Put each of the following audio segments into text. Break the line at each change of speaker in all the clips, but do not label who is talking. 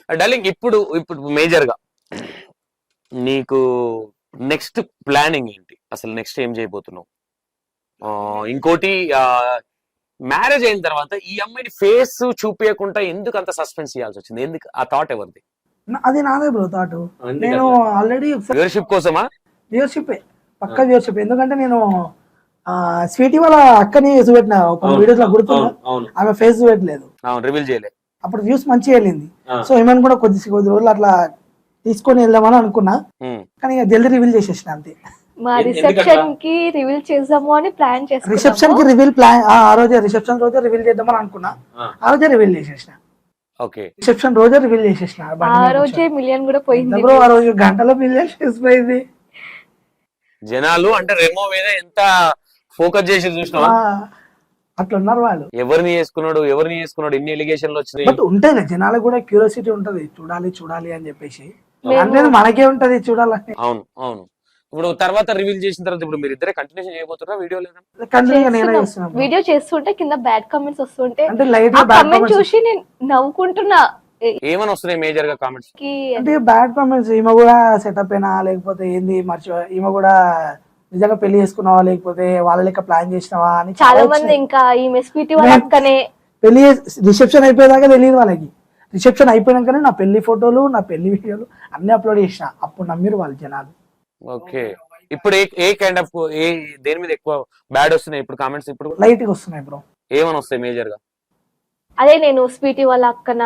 Darling ఇప్పుడు ఇప్పుడు major గా నీకు నెక్స్ట్ ప్లానింగ్ ఏంటి? అసలు నెక్స్ట్ ఏం చేయబోతున్నావు? ఇంకోటి మ్యారేజ్ అయిన తర్వాత ఈ అమ్మాయిని ఫేస్ చూపించకుండా ఎందుకు అంత సస్పెన్స్ చేయాల్సి వచ్చింది? ఎందుకు ఆ థాట్ ఎవరిది?
అది నాదే బ్రో థాట్. నేను ఆల్రెడీ
వ్యూవర్షిప్ కోసమా?
వ్యూవర్షిప్ పక్క వ్యూవర్షిప్. ఎందుకంటే నేను స్వీటీ వాళ్ళ అక్కని చూపెట్టిన కొన్ని వీడియోస్ లో గుర్తున్నా, ఆమె ఫేస్ చూపెట్టలేదు,
రివీల్ చేయలేదు.
అప్పుడు వ్యూస్ మంచిగా వెళ్ళింది. సో ఏమైనా కూడా కొద్ది రోజులు అట్లా తీసుకొని వెళ్దామని అనుకున్నా, కానీ ఇక జల్దీ రివీల్ చేసేసిన అంతే.
మా రిసెప్షన్ కి రివీల్ చేద్దాము అని ప్లాన్ చేసాము.
రిసెప్షన్ కి రివీల్ ప్లాన్ ఆ రోజే, రిసెప్షన్ రోజే రివీల్ చేద్దామని అనుకున్నా, ఆ రోజే రివీల్ చేసేసిన.
ఓకే,
రిసెప్షన్ రోజే రివీల్ చేసేసిన.
ఆ రోజే మిలియన్ కూడా పోయింది
బ్రో. ఆ రోజు గంటలో మిలియన్ చేసిపోయింది.
జనాలు అంటే రెమో మీద ఎంత ఫోకస్ చేసి చూసినా
అట్లా ఉన్నారు వాళ్ళు.
ఎవరిని చేసుకున్నాడు ఇన్ని ఎలిగేషన్లు వచ్చినాయి.
బట్ ఉంటాయి జనాలకు కూడా క్యూరియాసిటీ ఉంటది, చూడాలి అని చెప్పేసి. అంటే మనకే ఉంటది చూడాలని.
అవును అవును. ఇప్పుడు తర్వాత రివీల్ చేసిన తర్వాత ఇప్పుడు మీరు ఇద్దరే కంటిన్యూషన్ చేయబోతున్నారా వీడియో? లేదా
వీడియో చేస్తుంటే కింద బ్యాడ్ కామెంట్స్ వస్తుంటే
అంటే లైట్ గా
కామెంట్ చూసి నేను నవ్వుకుంటున్నా.
ఏమని వస్తున్నాయి మేజర్ గా కామెంట్స్?
అంటే బ్యాడ్ కామెంట్స్, ఈమె కూడా సెటప్ అయినా లేకపోతే ఏంది ఈమె కూడా నిజంగా పెళ్లి చేసుకున్నావా లేకపోతే వాళ్ళ లెక్క ప్లాన్ చేసినావా అని
చాలా మంది. ఇంకా ఈమె స్వీటీ వాళ్ళ అక్కనే
పెళ్లి రిసెప్షన్ అయిపోయేదాకా తెలియదు వాళ్ళకి. రిసెప్షన్ అయిపోయినాకనే నా పెళ్లి ఫోటోలు, నా పెళ్లి వీడియోలు అన్ని అప్లోడ్ చేసిన. అప్పుడు నమ్మిరు వాళ్ళు జనాలు.
ఓకే, ఇప్పుడు ఏ కైండ్ ఆఫ్ దేని మీద ఎక్కువ బ్యాడ్ వస్తున్నాయి ఇప్పుడు కామెంట్స్? ఇప్పుడు
లైట్ గా వస్తున్నాయి బ్రో.
ఏమని వస్తాయి మేజర్ గా?
అదే నేను స్వీటీ వాళ్ళ అక్కనే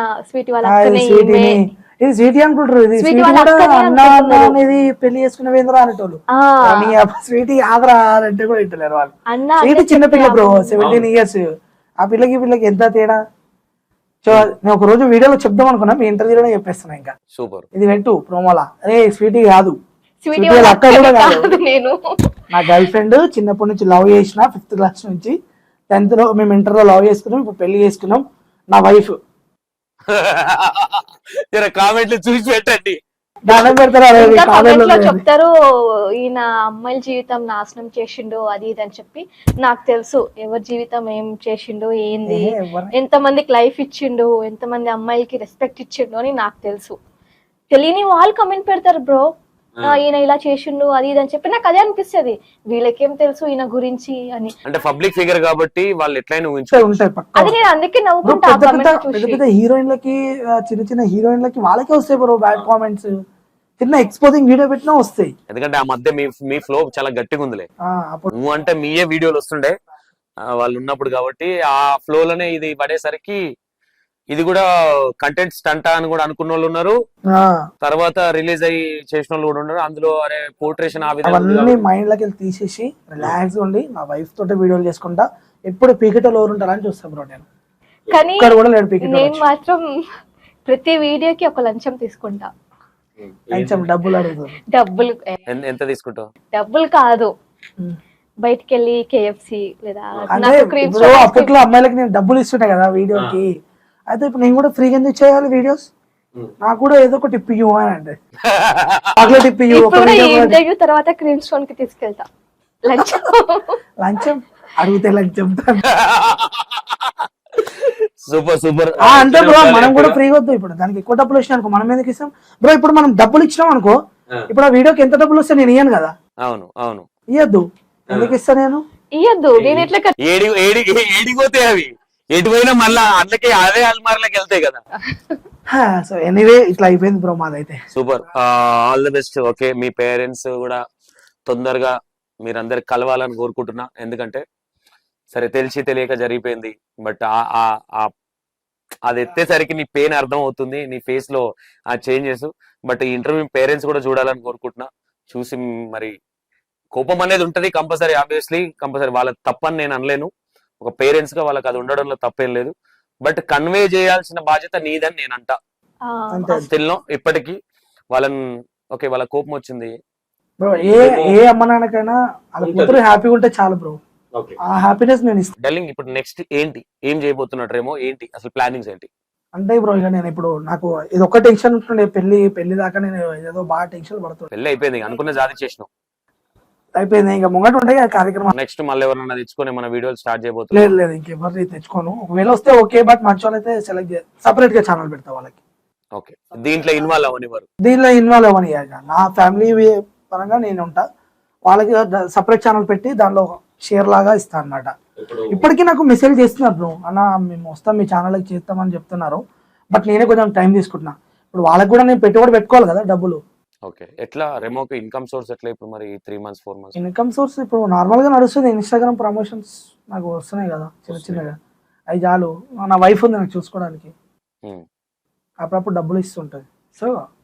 ఇది స్వీటీ అనుకుంటారు, ఇది స్వీటీ కూడా అన్న అనేది పెళ్లి చేసుకునే వేంద్రా అనేటోళ్ళు. స్వీటీ ఆదరా అంటే కూడా ఇంటలేరు వాళ్ళు. స్వీటీ చిన్న పిల్ల బ్రో, 17 years. ఆ పిల్లకి ఎంత తేడా. సో నేను ఒక రోజు వీడియోలో చెప్దాం అనుకున్నా, మీ ఇంటర్వ్యూలోనే చెప్పేస్తున్నా. ఇంకా సూపర్, ఇది పెట్టు ప్రోమోలా. అరే స్వీటీ కాదు, స్వీటీ వాళ్ళ అక్క కూడా కాదు. నేను నా గర్ల్ ఫ్రెండ్ చిన్నప్పటి నుంచి లవ్ చేసిన, 5th class నుంచి 10th లో మేము ఇంటర్ లో లవ్ చేసుకున్నాం, ఇప్పుడు పెళ్లి చేసుకున్నాం. నా వైఫ్.
కామెంట్లు చూసి పెట్టండి,
చెప్తారు ఈయన అమ్మాయిల జీవితం నాశనం చేసిండు అది ఇది అని చెప్పి. నాకు తెలుసు ఎవరి జీవితం ఏం చేసిండు, ఏంది, ఎంత మందికి లైఫ్ ఇచ్చిండు, ఎంత మంది అమ్మాయిలకి రెస్పెక్ట్ ఇచ్చిండు అని నాకు తెలుసు. తెలియని వాళ్ళు కమెంట్ పెడతారు బ్రో, ఈయన ఇలా చేసిండు అది ఇది అని చెప్పి. నాకు అదే అనిపిస్తుంది, వీళ్ళకేం తెలుసు ఈయన గురించి అని.
అంటే పబ్లిక్ ఫిగర్ కాబట్టి వాళ్ళు ఎట్లయినా
అది నేను అందుకే నవ్వుకుంటా.
పెద్ద హీరోయిన్లకి, చిన్న హీరోయిన్లకి వాళ్ళకే వస్తాయి బ్రో బ్యాడ్ కామెంట్స్. చిన్న ఎక్స్పోజింగ్ వీడియో పెట్టినా వస్తాయి.
ఎందుకంటే ఆ మధ్య మీ ఫ్లో చాలా గట్టిగా ఉందిలే. నువ్వు అంటే మీయే వీడియోలు వస్తుండే వాళ్ళు ఉన్నప్పుడు కాబట్టి ఆ ఫ్లో లోనే ఇది పడేసరికి ఇది కూడా కంటెంట్ స్టంట్ అని కూడా అనుకున్న వాళ్ళు ఉన్నారు, తర్వాత రిలీజ్ అయ్యి చేసిన వాళ్ళు కూడా ఉన్నారు. అందులో అరే పోర్ట్రేషన్
అవన్నీ మైండ్ లోకి తీసేసి రిలాక్స్ ఉండి నా వైఫ్ తోటి వీడియోలు చేసుకుంటా. ఎప్పుడు పీకెటోళ్ళు ఎవరు ఉంటారని చూస్తా బ్రో నేను.
కానీ నేను మాత్రం ప్రతి వీడియోకి ఒక లంచం తీసుకుంటా.
లంచం డబ్బులు అడుగుతారు.
డబ్బులు
ఎంత తీసుకుంటావు?
డబ్బులు కాదు, బయటికి వెళ్ళి KFC లేదా
అప్పట్లో అమ్మాయిలకి నేను డబ్బులు ఇస్తుంటా కదా వీడియోకి. అయితే ఇప్పుడు నేను కూడా ఫ్రీగా ఎందుకు చేయాలి వీడియోస్? నాకు కూడా ఏదో ఒక టిప్ ఇవ్వని అంటే టిప్
ఇంటర్వ్యూ తర్వాత క్రీమ్ స్టోన్ కి తీసుకెళ్తా.
లంచం అడిగితే లంచం
సూపర్ సూపర్
అంటే బ్రో మనం కూడా ఫ్రీగా వద్దు. ఇప్పుడు దానికి ఎక్కువ డబ్బులు వచ్చినాయి అనుకో మనం ఎందుకు ఇస్తాం బ్రో? ఇప్పుడు మనం డబ్బులు ఇచ్చినాం అనుకో, ఇప్పుడు ఆ వీడియోకి ఎంత డబ్బులు వస్తే నేను ఇయ్యను కదా.
అవును అవును,
ఇయ్యద్దు. ఎందుకు ఇస్తా నేను?
ఇయ్యద్దు. నేను ఎట్లా
ఏడిపోతే అవి ఎటుపోయినా మళ్ళా అందుకే అదే అల్మార్లోకి వెళ్తాయి కదా.
సో ఎనీవే ఇట్లా అయిపోయింది బ్రో మాదైతే.
Super, all the best. Okay, మీ పేరెంట్స్ కూడా తొందరగా మీరందరు కలవాలని కోరుకుంటున్నా. ఎందుకంటే సరే తెలిసి తెలియక జరిగిపోయింది, బట్ అది ఎత్తేసరికి నీ పెయిన్ అర్థం అవుతుంది, నీ ఫేస్ లో ఆ చేంజెస్. బట్ ఈ ఇంటర్వ్యూ పేరెంట్స్ కూడా చూడాలని కోరుకుంటున్నా. చూసి మరి కోపం అనేది ఉంటది కంపల్సరీ, ఆబ్వియస్లీ కంపల్సరీ. వాళ్ళ తప్పని నేను అనలేను, ఒక పేరెంట్స్ గా వాళ్ళకి అది ఉండడంలో తప్పేం లేదు. బట్ కన్వే చేయాల్సిన బాధ్యత నీదని నేను అంటా. స్టిల్ ఇప్పటికీ వాళ్ళని ఓకే వాళ్ళ కోపం వచ్చింది
బ్రో. ఏ అమ్మ నాన్నకైనా వాళ్ళ కూతురు హ్యాపీగా ఉంటే చాలు బ్రో. ఆ హ్యాపీనెస్ నేను ఇస్తాను.
డార్లింగ్ ఇప్పుడు నెక్స్ట్ ఏంటి, ఏం చేయబోతున్నట్రేమో, ఏంటి అసలు ప్లానింగ్స్ ఏంటి?
అంటే బ్రో ఇక నేను ఇప్పుడు నాకు ఇది ఒక్క టెన్షన్ ఉంటుండే, పెళ్లి దాకా నేను ఏదో బాగా టెన్షన్ పడుతుంది.
పెళ్లి అయిపోయింది, అనుకున్న జాతి చేసినాం,
అయిపోయింది. ఇంకా ముంగట ఉంటాయి కార్యక్రమం.
నెక్స్ట్ మళ్ళీ ఎవరన్నా తెచ్చుకొని మన వీడియోలు స్టార్ట్ చేయబోతుంది?
లేదు ఇంకెవరిని తెచ్చుకోను. ఒకవేళ వస్తే ఓకే, బట్ మంచి వాళ్ళైతే సెలెక్ట్ సపరేట్ గా ఛానల్ పెడతా వాళ్ళకి.
ఓకే, దీంట్లో ఇన్వాల్వ్ అవని వారు.
దీనిలో ఇన్వాల్వ్ అవ్వని నా ఫ్యామిలీ పరంగా నేను ఉంటా, వాళ్ళకి సపరేట్ ఛానల్ పెట్టి దానిలో షేర్ లాగా ఇస్తా అన్నమాట. ఇప్పటికీ నాకు మెసేజ్ చేస్తున్నారు బ్రో, అన్న మేము వస్తాం మీ ఛానల్కి చేస్తామని చెప్తున్నారు, బట్ నేనే కొంచెం టైం తీసుకుంటున్నా. ఇప్పుడు వాళ్ళకి కూడా నేను పెట్టుబడి పెట్టుకోవాలి కదా డబ్బులు.
ఓకే, ఎట్లా రెమోకి ఇన్కమ్ సోర్స్ ఎట్లా ఇప్పుడు మరి 3 months 4 months?
ఇన్కమ్ సోర్స్ ఇప్పుడు నార్మల్ గా నడుస్తుంది, ఇన్స్టాగ్రామ్ ప్రమోషన్స్ నాకు వస్తున్నాయి కదా చిన్న చిన్నగా, అవి చాలు. నా వైఫ్ ఉంది నాకు చూసుకోవడానికి, అప్పుడప్పుడు డబ్బులు ఇస్తుంటది, సో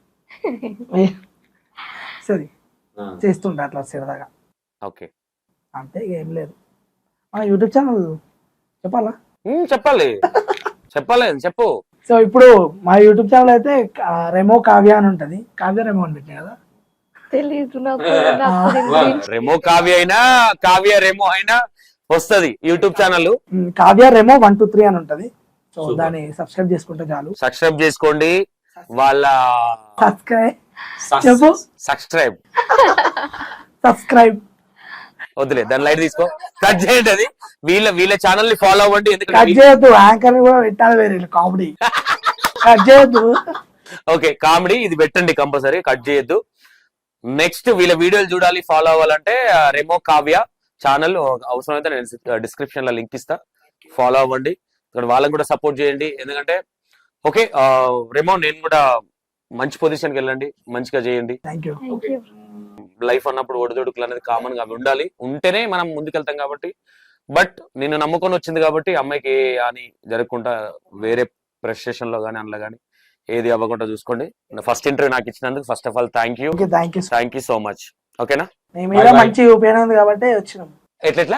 సరే చేస్తుంటా అట్లా సరదాగా.
ఓకే,
అంతే, ఏం లేదు. మన యూట్యూబ్ ఛానల్ చెప్పాలా?
చెప్పాలి చెప్పాలి చెప్పు.
సో ఇప్పుడు మా యూట్యూబ్ ఛానల్ అయితే రెమో కావ్య అని ఉంటది, కావ్య రెమో అని పెట్టినా కదా.
తెలీదు నాకు.
రెమో కావ్య అయినా కావ్య రెమో అయినా వస్తది యూట్యూబ్ ఛానల్.
కావ్య రెమో 123 అని ఉంటది, సో దాన్ని సబ్స్క్రైబ్ చేసుకుంటే చాలు.
సబ్స్క్రైబ్ చేసుకోండి. వాళ్ళ
సబ్స్క్రైబ్ చెప్పు,
సబ్స్క్రైబ్
సబ్స్క్రైబ్
వద్దులే, దాని లైట్ తీసుకో, కట్ చేయండి. అది వీళ్ళ ఛానల్ ని ఫాలో అవ్వండి.
కట్
ఎందుకంటే
చేయొద్దు, యాంకర్ కూడా పెట్టాలి వేరే కామెడీ, కట్ చేయొద్దు.
ఓకే, కామెడీ ఇది పెట్టండి కంపల్సరీ, కట్ చేయొద్దు. నెక్స్ట్ వీళ్ళ వీడియోలు చూడాలి, ఫాలో అవ్వాలంటే రెమో కావ్య ఛానల్ అవసరమైతే నేను డిస్క్రిప్షన్ లో లింక్ ఇస్తా, ఫాలో అవ్వండి. ఇక్కడ వాళ్ళని కూడా సపోర్ట్ చేయండి. ఎందుకంటే ఓకే రెమో, నేను కూడా మంచి పొజిషన్కి వెళ్ళండి, మంచిగా చేయండి.
Thank you.
లైఫ్ అన్నప్పుడు ఒడిదొడుకులు అనేది కామన్ గా అవి ఉండాలి, ఉంటేనే మనం ముందుకెళ్తాం కాబట్టి. బట్ నిన్ను నమ్ముకొని వచ్చింది కాబట్టి అమ్మాయికి ఏ అని జరగకుండా వేరే ప్రెస్టేషన్ లో కానీ అందులో కానీ ఏది అవ్వకుండా చూసుకోండి. ఫస్ట్ ఇంటర్వ్యూ నాకు ఇచ్చినందుకు first of all thank you, thank you so much. ఓకేనా,
మంచి ఉపయోగం కాబట్టి వచ్చినాం.
ఎట్లా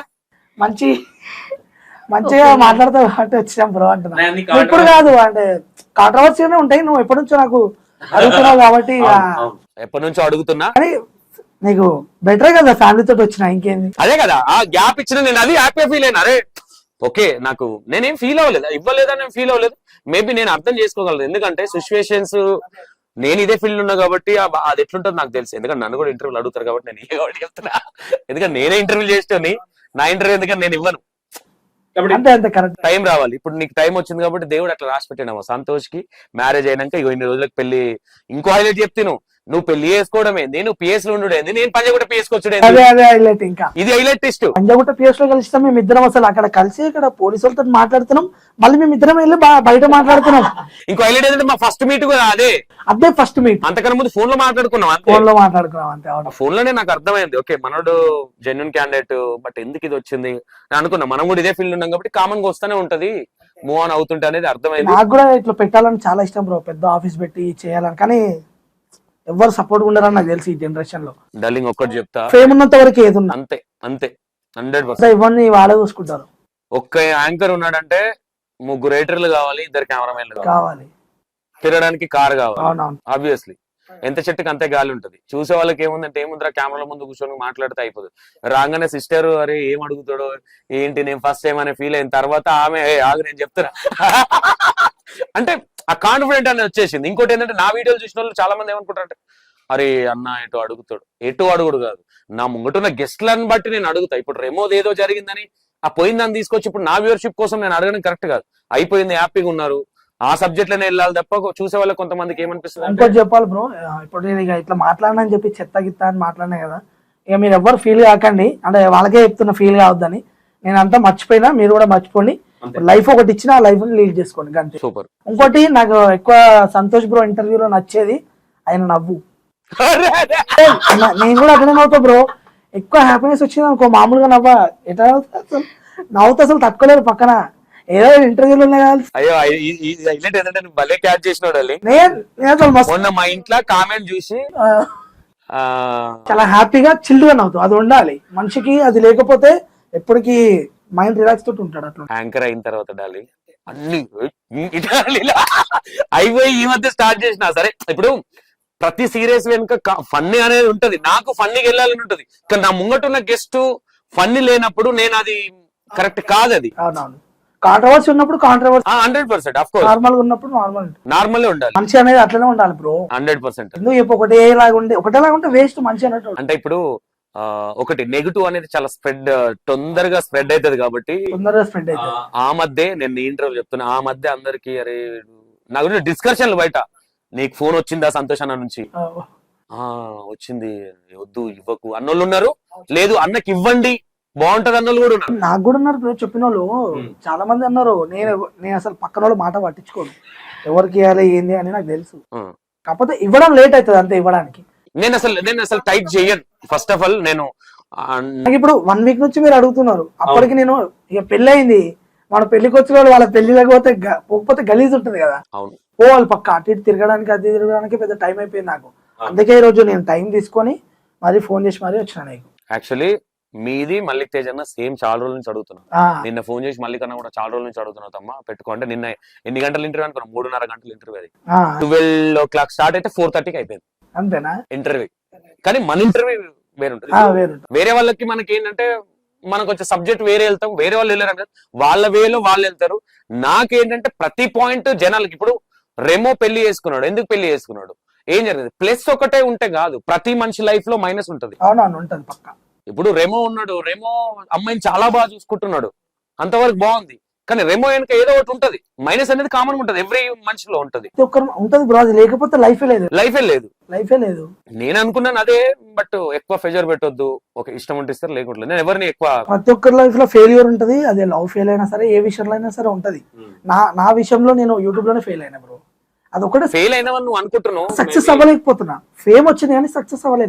మంచిగా మాట్లాడతావు కాబట్టి వచ్చినాం బ్రో అంటున్నా. ఇప్పుడు కాదు అంటే కాంట్రవర్సీనే ఉంటాయి, నువ్వు ఎప్పటి నుంచో నాకు అడుగుతున్నావు కాబట్టి
ఎప్పటి నుంచో అడుగుతున్నా.
కానీ నీకు బెటరే కదా ఫ్యామిలీ తోటి వచ్చినా, ఇంకేంది.
అదే కదా ఆ గ్యాప్ ఇచ్చిన, నేను అది హ్యాపీగా ఫీల్ అయినా. అరే ఓకే, నాకు నేనేం ఫీల్ అవ్వలేదు, ఇవ్వలేదని నేను ఫీల్ అవ్వలేదు. మేబీ నేను అర్థం చేసుకోగలను, ఎందుకంటే సిచ్యువేషన్స్ నేను ఇదే ఫీల్డ్ ఉన్నా కాబట్టి అది ఎట్లుంటుందో నాకు తెలుసు. ఎందుకంటే నన్ను కూడా ఇంటర్వ్యూలు అడుగుతారు కాబట్టి నేను ఏ కాబట్టి చెప్తున్నా. ఎందుకంటే నేనే ఇంటర్వ్యూ చేస్తాను, నా ఇంటర్వ్యూ ఎందుకంటే నేను ఇవ్వను. టైం రావాలి. ఇప్పుడు నీకు టైం వచ్చింది కాబట్టి దేవుడు అట్లా రాసి పెట్టాను. సంతోష్ కి మ్యారేజ్ అయినాక ఇన్ని రోజులకు పెళ్లి. ఇంకో హైలైట్ చెప్తాను, నువ్వు పెళ్లి చేసుకోవడమే, నేను పిఎస్ లో ఉండేది, నేను పంజాగుట్ట పిఎస్ వచ్చుడే.
ఇంకా
ఇది హైలైట్ టెస్ట్.
పంజాగుట్ట పిఎస్ లో కలిసి మేము ఇద్దరం అసలు అక్కడ కలిసి ఇక్కడ పోలీసు వాళ్ళతో మాట్లాడుతున్నాం, మళ్ళీ మేము ఇద్దరం వెళ్ళి బయట మాట్లాడుతున్నాం.
ఇంకో హైలైట్ ఏంటంటే మా ఫస్ట్ మీట్ కూడా అదే
ఫస్ట్ మీట్.
అంతకన్నా ముందు ఫోన్ లో మాట్లాడుకున్నాం,
అంతే.
ఫోన్ లోనే నాకు అర్థమైంది, ఓకే మనోడు జెన్యున్ క్యాండిడేట్, బట్ ఎందుకు ఇది వచ్చింది నేను అనుకున్నా. మనం కూడా ఇదే ఫీల్డ్ ఉన్నాం కాబట్టి కామన్ గా వస్తూనే ఉంటది, మూవ్ ఆన్ అవుతుంటే అనేది అర్థమైంది.
నాకు కూడా ఇట్లా పెట్టాలని చాలా ఇష్టం బ్రో, పెద్ద ఆఫీస్ పెట్టి చేయాలని. కానీ ఎవరు సపోర్ట్ ఉండరని నాకు తెలిసి ఈ జనరేషన్ లో.
డార్లింగ్ ఒక్కటి చెప్తా,
ఫేమ్ ఉన్నంత వరకు ఏది ఉన్నా
అంతే అంతే 100%.
ఇవన్నీ వాళ్ళే చూసుకుంటారు.
ఒక్క యాంకర్ ఉన్నాడంటే 3 ఎడిటర్లు కావాలి, 2 కెమెరామెన్లు
కావాలి,
తిరగడానికి కార్ కావాలి.
అవునవును,
ఆబ్వియస్లీ ఎంత చెట్టుకి అంతే గాలి ఉంటది. చూసే వాళ్ళకి ఏముందంటే ఏముందిరా కెమెరాల ముందు కూర్చొని మాట్లాడితే అయిపోతుంది. రాగానే సిస్టర్ అరే ఏం అడుగుతాడో ఏంటి, నేను ఫస్ట్ టైం అనే ఫీల్ అయిన తర్వాత ఆమె ఆగు నేను చెప్తున్నా అంటే ఆ కాన్ఫిడెంట్ అనేది వచ్చేసింది. ఇంకోటి ఏంటంటే నా వీడియోలు చూసిన వాళ్ళు చాలా మంది ఏమనుకుంటారంటే అరే అన్న ఎటు అడుగుతాడు, ఎటు అడుగుడు కాదు, నా ముంగటున్న గెస్ట్లను బట్టి నేను అడుగుతా. ఇప్పుడు రెమోది ఏదో జరిగిందని ఆ పోయిందని తీసుకొచ్చి ఇప్పుడు నా వ్యూవర్షిప్ కోసం నేను అడగడం కరెక్ట్ కాదు. అయిపోయింది, హ్యాపీగా ఉన్నారు, ఆ సబ్జెక్ట్ లోనే వెళ్ళాలి తప్ప చూసే వాళ్ళకి కొంతమందికి ఏమనిపిస్తుంది
ఇంకోటి చెప్పాలి బ్రో. ఇప్పుడు నేను ఇక ఇట్లా మాట్లాడినని చెప్పి చెత్త గిత్త అని మాట్లాడినా కదా, ఇక మీరు ఎవ్వరు ఫీల్ కాకండి, అంటే వాళ్ళకే చెప్తున్న ఫీల్ కావద్దని. నేను అంతా మర్చిపోయినా, మీరు కూడా మర్చిపోండి. లైఫ్ ఒకటి ఇచ్చిన ఆ లైఫ్ ని లీడ్ చేసుకోండి అంతే.
సూపర్.
ఇంకోటి నాకు ఎక్కువ సంతోష్ బ్రో ఇంటర్వ్యూలో నచ్చేది ఆయన నవ్వు. నేను కూడా అట్లనే నవ్వుతా బ్రో, ఎక్కువ హ్యాపీనెస్ వచ్చింది అనుకో మామూలుగా ఎట్లా నవ్వుతా అసలు తక్కువలేదు పక్కన. ఏదో ఇంటర్వ్యూలు ఉన్నాయి కదా.
అయ్యో హైలైట్ ఏంటంటే నువ్వు భలే క్యాచ్ చేసినాడు. మొన్న మా ఇంట్లో కామెంట్ చూసి
చాలా హ్యాపీగా చిల్లుగా నవ్వుతావు, అది ఉండాలి మనిషికి. అది లేకపోతే ఎప్పటికీ మైండ్ రిలాక్స్ తోటి ఉంటాడు. అట్లా
యాంకర్ అయిన తర్వాత డాలి అన్ని అయిపోయి ఈ మధ్య స్టార్ట్ చేసిన సరే. ఇప్పుడు ప్రతి సీరియస్ వెనుక ఫన్నీ అనేది ఉంటది, నాకు ఫన్నీకి వెళ్ళాలని ఉంటది. కానీ నా ముంగటున్న గెస్ట్ ఫన్నీ లేనప్పుడు నేను అది కరెక్ట్ కాదు. అది
అవునవును, కాంట్రవర్సీ ఉన్నప్పుడు కాంట్రవర్సీ
100%. ఆఫ్ కోర్స్
నార్మల్ గా ఉన్నప్పుడు నార్మల్
ఉండాలి.
మనిషి అనేది అట్లనే ఉండాలి బ్రో
100%.
ఎందుకు చెప్పు ఒకటేలాగా ఉంటే వేస్ట్ మనిషి అన్నట్టు.
అంటే ఇప్పుడు ఒకటి నెగిటివ్ అనేది చాలా తొందరగా స్ప్రెడ్ అవుతుంది కాబట్టి ఆ మధ్య నేను ఇంటర్వ్యూ చెప్తున్నా, ఆ మధ్య అందరికి అరే నా గురించి డిస్కషన్లు బయట నీకు ఫోన్ వచ్చిందా సంతోష్ అన్న నుంచి? ఆ వచ్చింది, వద్దు ఇవ్వకు అన్నోళ్ళు ఉన్నారు, లేదు అన్నకి ఇవ్వండి బాగుంటది అన్నోళ్ళు కూడా ఉన్నారు.
నాకు కూడా ఉన్నారు బ్రో చెప్పిన వాళ్ళు చాలా మంది అన్నారు. నేను అసలు పక్కన వాళ్ళు మాట పట్టించుకోను, ఎవరికి ఇవ్వాలి ఏంది అని నాకు తెలుసు. కాకపోతే ఇవ్వడం లేట్ అవుతుంది అంతే ఇవ్వడానికి.
నేను అసలు టైట్ చేయను. ఫస్ట్ ఆఫ్ ఆల్ నేను
నాకు ఇప్పుడు 1 వీక్ నుంచి మీరు అడుగుతున్నారు, అప్పటికి నేను ఇక పెళ్లి అయింది, మన పెళ్లికి వచ్చిన వాళ్ళు వాళ్ళ పెళ్లిలోకి పోకపోతే గలీజ్ ఉంటుంది కదా, పోవాలి పక్క అటు ఇటు తిరగడానికి అది తిరగడానికి పెద్ద టైం అయిపోయింది నాకు. అందుకే ఈ రోజు నేను టైం తీసుకొని మరీ ఫోన్ చేసి మరీ వచ్చిన. నీకు
యాక్చువల్లీ మీది మల్లిక్ తేజ్ అన్న సేమ్ చాలా రోజుల నుంచి అడుగుతున్నాను. నిన్న ఫోన్ చేసి మల్లిక్ అన్న కూడా చాలా రోజుల నుంచి అడుగుతున్నావు తమ్మా పెట్టుకో అంటే, నిన్న ఎన్ని గంటల ఇంటర్వ్యూ అనుకున్నాం? 3.5 గంటల ఇంటర్వ్యూ. అది 12 o'clock స్టార్ట్ అయితే 4:30కి అయిపోయింది
అంతేనా
ఇంటర్వ్యూ. కానీ మన ఇంటర్వ్యూ వేరుంటుంది. వేరే వాళ్ళకి మనకి ఏంటంటే మనకు వచ్చే సబ్జెక్ట్ వేరే వెళ్తాం, వేరే వాళ్ళు వెళ్ళారు, వాళ్ళ వేలో వాళ్ళు వెళ్తారు. నాకేంటంటే ప్రతి పాయింట్ జనాలకి, ఇప్పుడు రెమో పెళ్లి చేసుకున్నాడు, ఎందుకు పెళ్లి చేసుకున్నాడు, ఏం జరిగింది, ప్లస్ ఒకటే ఉంటే కాదు, ప్రతి మనిషి లైఫ్ లో మైనస్ ఉంటది.
ఉంటది పక్క.
ఇప్పుడు రెమో ఉన్నాడు, రెమో అమ్మాయిని చాలా బాగా చూసుకుంటున్నాడు, అంతవరకు బాగుంది. కానీ రెమో వెనక ఏదో ఒకటి ఉంటది, మైనస్ అనేది కామన్ ఉంటది, ఎవ్రీ మనిషిలో ఉంటది.
ఉంటది బ్రో, అది లేకపోతే లైఫే లేదు.
నేను అనుకున్నాను అదే, బట్ ఎక్కువ ప్రెజర్ పెట్టొద్దు, ఒక ఇష్టం ఉంటే ఇస్తారు, లేకుండా నేను ఎవరిని ఎక్కువ.
ప్రతి ఒక్కరి లైఫ్ లో ఫెయిల్యూర్ ఉంటది, అదే లవ్ ఫెయిల్ అయినా సరే, ఏ విషయంలో అయినా సరే ఉంటది. నా విషయంలో నేను యూట్యూబ్ లోనే ఫెయిల్ అయినా బ్రో. అదొకటి
ఫెయిల్ అయినా నువ్వు అనుకుంటున్నావు,
సక్సెస్ అవ్వలేకపోతున్నా. ఫేమ్ వచ్చింది కానీ సక్సెస్ అవ్వలేదు.